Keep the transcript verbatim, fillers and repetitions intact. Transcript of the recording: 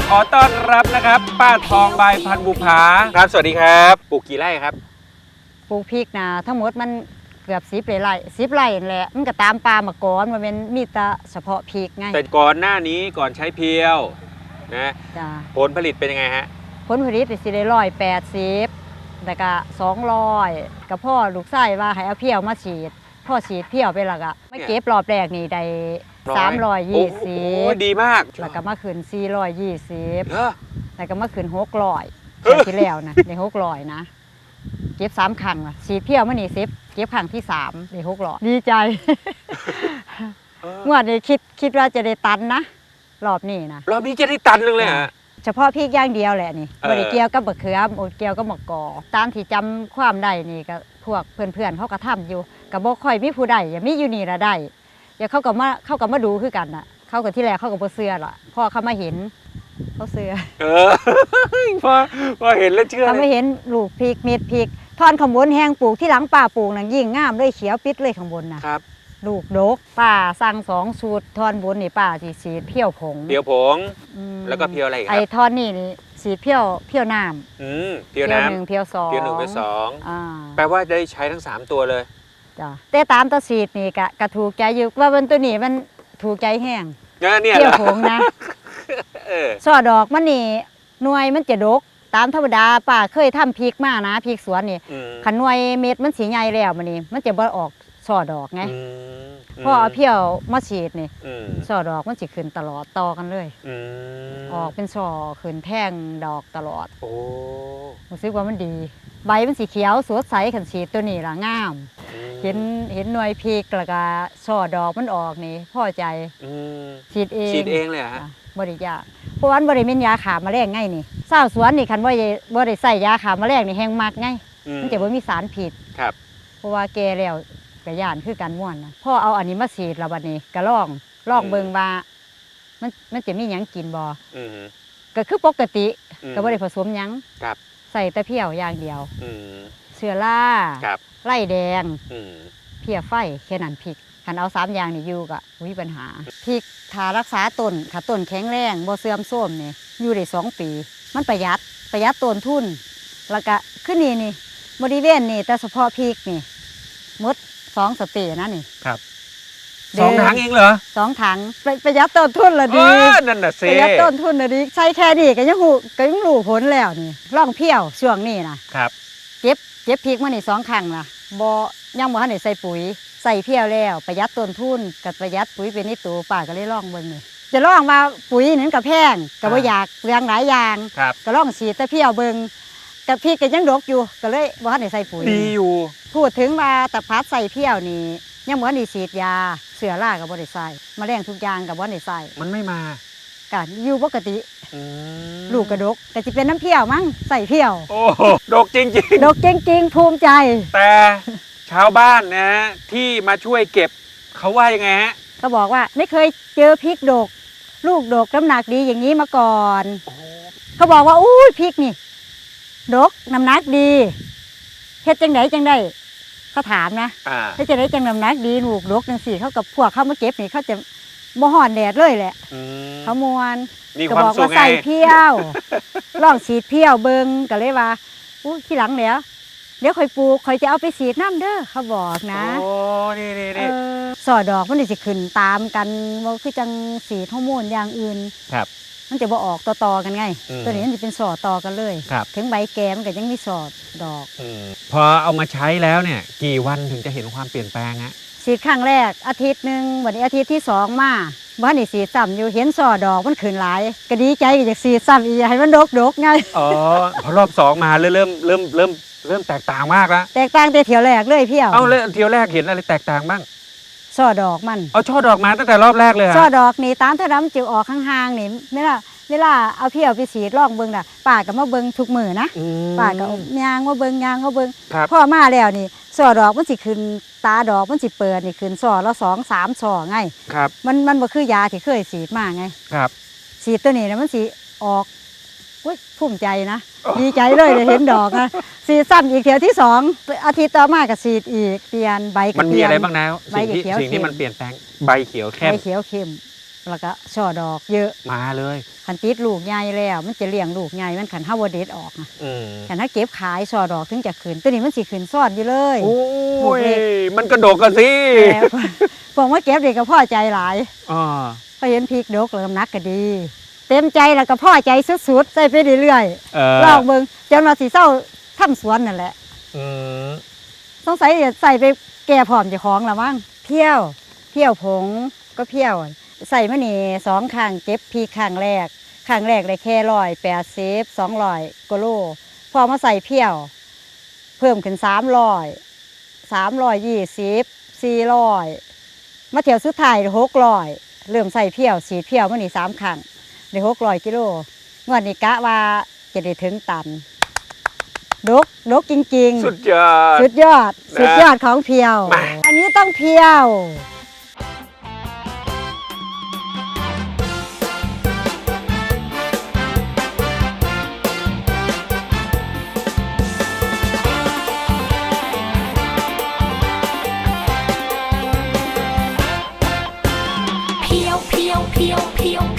ขอต้อนรับนะครับป้าทองใบพันธุ์บุภาครับสวัสดีครับปลูกกี่ไร่ครับปลูกพริกนะทั้งหมดมันเกือบสิบไร่สิบไร่แหละมันก็ตามปลามาก่อนมันเป็นมีแต่เฉพาะพริกไงแต่ก่อนหน้านี้ก่อนใช้เพียวนะผลผลิตเป็นยังไงฮะผลผลิตสิได้ร้อยแปดสิบแต่ก็สองร้อยกับพ่อลูกไส้ว่าให้เอาเพียวมาฉีดพ่อฉีดเพียวไปแล้วก็ไม่เก็บรอบแรกนี่ได้สามร้อยยี่สิบดีมากแล้วก็มาขึ้นสี่ร้อยยี่สิบแล้วก็มาขึ้นหกร้อยที่แล้วนะในหกร้อยนะเก็บสามครั้งอ่ะฉีดเพียวมานี่สิบเก็บครั้งที่สามในหกร้อยดีใจเมื่อนี้คิดคิดว่าจะได้ตันนะรอบนี้นะรอบนี้จะได้ตันนึงเลยฮะเฉพาะพริกอย่างเดียวแหละนี่บริเกียวกับมะเขือมเกียวกับมะกอตามที่จำความได้นี่ก็พวกเพื่อนๆเขาก็ทำอยู่กับบ่ค่อยมีผู้ใดอย่ามีอยู่นี่ละได้อย่าเขาก็มาเขาก็มาดูคือกันน่ะเขาก็ที่แรกเขาก็บ่เชื่อล่ะพอเขามาเห็นเขาเชื่อเออพอพอเห็นแล้วเชื่อเขาไม่เห็นลูกพริกเม็ดพริกทอนข้างบนแห้งปลูกที่หลังป่าปลูกนั่นยิ่งงามเลยเขียวปิดเลยข้างบนนะครับลูกดกป้าสั่งสองสูตรทอนบนนี่ป้าสีสีเพี้ยวผงเพี้ยวผงแล้วก็เพี้ยวอะไรครับไอ้ทอนนี่นี่สีเพี้ยวเพี้ยวน้ำอืมเพี้ยวน้ำหนึ่งเพี้ยวสองเพี้ยวหนึ่งเพี้ยวสองแปลว่าได้ใช้ทั้งสามตัวเลยจ้ะแต่ตามตัวสีดนี่กะกะถูกใจอยู่ว่ามันตัวนี้มันถูกใจแห้งเนี่ยเพี้ยวผงนะช่อดอกมันนี่หน่วยมันจะดกตามธรรมดาป้าเคยทำพริกมานะพริกสวนนี่ขันหน่วยเม็ดมันสีใหญ่แล้วมันนี่มันจะบ่ออกช่อดอกไงพอเอาเพี้ยวมาฉีดนี่ช่อดอกมันจะขึ้นตลอดต่อกันเลยออกเป็นช่อขึ้นแท่งดอกตลอดโอ้รู้สึกว่ามันดีใบมันสีเขียวสดใสขันฉีดตัวนี้ละงามเห็นเห็นหน่วยพริกแล้วก็ช่อดอกมันออกนี่พอใจฉีดเองฉีดเองเลยฮะบริยาเพราะว่าบริเวณยาขาแมลงไงนี่เศร้าสวนนี่คันว่าบริใส่ยาขาแมลงนี่แห้งมากไงมันจะไม่มีสารผิดครับเพราะว่าแกแล้วกระยานคือการม่วนนะพ่อเอาอันนี้มาฉีดแล้วบัดนี้กระลองลองเบิ่งว่ามันมันจะมีหยังกินบ่ก็คือปกติก็บ่ได้ผสมหยังใส่แต่เพี้ยวอย่างเดียวเชื้อราไล่แดงเพี้ยไฟแค่นั้นพริกคันเอาสามอย่างนี่อยู่ก็มีปัญหาพริกถ้ารักษาต้นถ้าต้นแข็งแรงบ่เสื่อมโทรมนี่อยู่ได้สองปีมันประหยัดประหยัดต้นทุนแล้วก็ขึ้นนี่นี่บริเวณนี่แต่เฉพาะพริกนี่มดสองสเตย์นะนี่ครับสองถังเองเหรอสองถังประหยัดต้นทุนละดีนั่นน่ะสิประหยัดต้นทุนละดีใช้แค่นี้ก็ยังหูก็ยังรู้ผลแล้วนี่ร่องเพี้ยวช่วงนี้นะครับเก็บเก็บพริกมานี่สองครั้งนะบ่ยังบ่ทันได้ใส่ปุ๋ยใส่เพี้ยวแล้วประหยัดต้นทุนกับประหยัดปุ๋ยเป็นนี่ตัวป้าก็เลยลองเบิ่งนี่จะลองมาปุ๋ยนั้นกับแพงก็บ่อยากเรื่องหลายอย่างก็ลองฉีดแต่เพี้ยวเบิ่งกับพริกก็ยังดกอยู่ก็เลยบ่ทันได้ใส่ปุ๋ยดีอยู่พูดถึงว่าตะพัดใส่เพี้ยวนี่ยังบ่ได้ฉีดยาเสือรากับบ่ได้ใส่แมลงทุกอย่างกับบ่ได้ใส่มันไม่มาก็อยู่ปกติลูกกระดกก็จะเป็นน้ำเพี้ยวมั้งใส่เพี้ยวโอ้ดกจริงๆดกจริงๆภูมิใจแต่ชาวบ้านนะที่มาช่วยเก็บเขาว่ายังไงฮะเขาบอกว่าไม่เคยเจอพริกดกลูกดกน้ำหนักดีอย่างนี้มาก่อนเขาบอกว่าอู้ยพริกนี่ดกน้ำหนักดีเฮ็ดจังไดจังได้เขาถามนะเฮ็ดจังไดจังน้ำหนักดีลูกดกจังสี่เขากับพวกเขามาเก็บนี่เขาจะบ่ฮ้อนแดดเลยแหละเขามวนก็บอกว่าใส่เพี้ยวลองฉีดเพี้ยวเบิ่งก็เลยว่าอู้ที่หลังแล้วเดี๋ยวค่อยปลูกค่อยจะเอาไปฉีดน้ำเด้อเขาบอกนะโอ้นี่นี่นี่สอดอกมันจะขึ้นตามกันว่าคือจังสีฮอร์โมนอย่างอื่นครับมันจะบ่ออกต่อๆกันไงตัวนี้มันจะเป็นสอดต่อกันเลยถึงใบแกมันก็ยังมีสอดดอกพอเอามาใช้แล้วเนี่ยกี่วันถึงจะเห็นความเปลี่ยนแปลงฮะฉีดครั้งแรกอาทิตย์หนึ่งวันนี้อาทิตย์ที่สองมาบ้านนี่สีซ้ำอยู่เห็นสอดอกมันขึ้นหลายก็ดีใจก็อยากสีซ้ำอีกให้มันดกดกไงอ๋อพอรอบสองมาเริ่มเริ่มเริ่มเริ่มแตกต่างมากแล้วแตกต่างแต่เที่ยวแรกเลยเพี้ยวเอาเลยเที่ยวแรกเห็นอะไรแตกต่างบ้างสอดอกมันเอาช่อดอกมาตั้งแต่รอบแรกเลยสอดอกนี่ตามถ้าน้ำจิ๋วออกข้างๆนี่ไม่ล่ะเวลาเอาเพี้ยวไปฉีดลองเบิ้งน่ะป้าก็มาเบิ้งทุกมือนะป้าก็ยางมาเบิ้งยางมาเบิ้งพ่อมาแล้วนี่สอดอกมันสิขึ้นตาดอกมันสิเปิดนี่ขึ้นสอละสองสามสอไงครับมันมันบ่คือยาที่เคยฉีดมาไงครับฉีดตัวนี้นะมันสิออกอุ้ยภูมิใจนะดีใจเลยได้เห็นดอกนะฉีดซ้ำอีกเที่ยวที่สองอาทิตย์ต่อมาก็ฉีดอีกเปลี่ยนใบมันมีอะไรบ้างนะสิ่งที่สิ่งที่มันเปลี่ยนแปลงใบเขียวเข้มใบเขียวเข้มแล้วก็ช่อดอกเยอะมาเลยขันติดลูกใหญ่แล้วมันจะเลี้ยงลูกใหญ่มันขันห้าวเด็ดออกนะอืมขันถ้าเก็บขายช่อดอกถึงจะขืนตัวนี้มันสิขืนซ่อนอยู่เลยโอ้ลูกยเล็กมันกระโดดกันสิแต่ผมว่าเก็บเด็กก็พ่อใจหลายอ่าพอเห็นพริกดกแล้วน้ำหนักก็ดี เต็มใจแล้วก็พ่อใจสุดๆใส่ไปเรื่อยเออๆลองเบิ่งจนว่าสิเศร้าทำสวนนั่นแหละอืมสงสัยจะใส่ไปแก่ผอมเจ้าของละมั้งเพี้ยวเพี้ยวผงก็เพี้ยว ใส่มะนี่สองข้างเก็บพริกข้างแรกข้างแรกเลยแค่ร้อยแปดสิบสองร้อยกิโลพอมาใส่เพี้ยว เพิ่มขึ้นสามร้อยสามร้อยยี่สิบสี่ร้อยมาเที่ยวสุดท้ายหกร้อยเริ่มใส่เพี้ยวสีเพี้ยวมะนี่สามข้างได้หกร้อยกิโลงวดนี้กะว่าจะได้ถึงตันดกดกจริงๆสุดยอดสุดยอดนะสุดยอดของเพียวมาอันนี้ต้องเพียวเพียวเพียวเพียวเพียว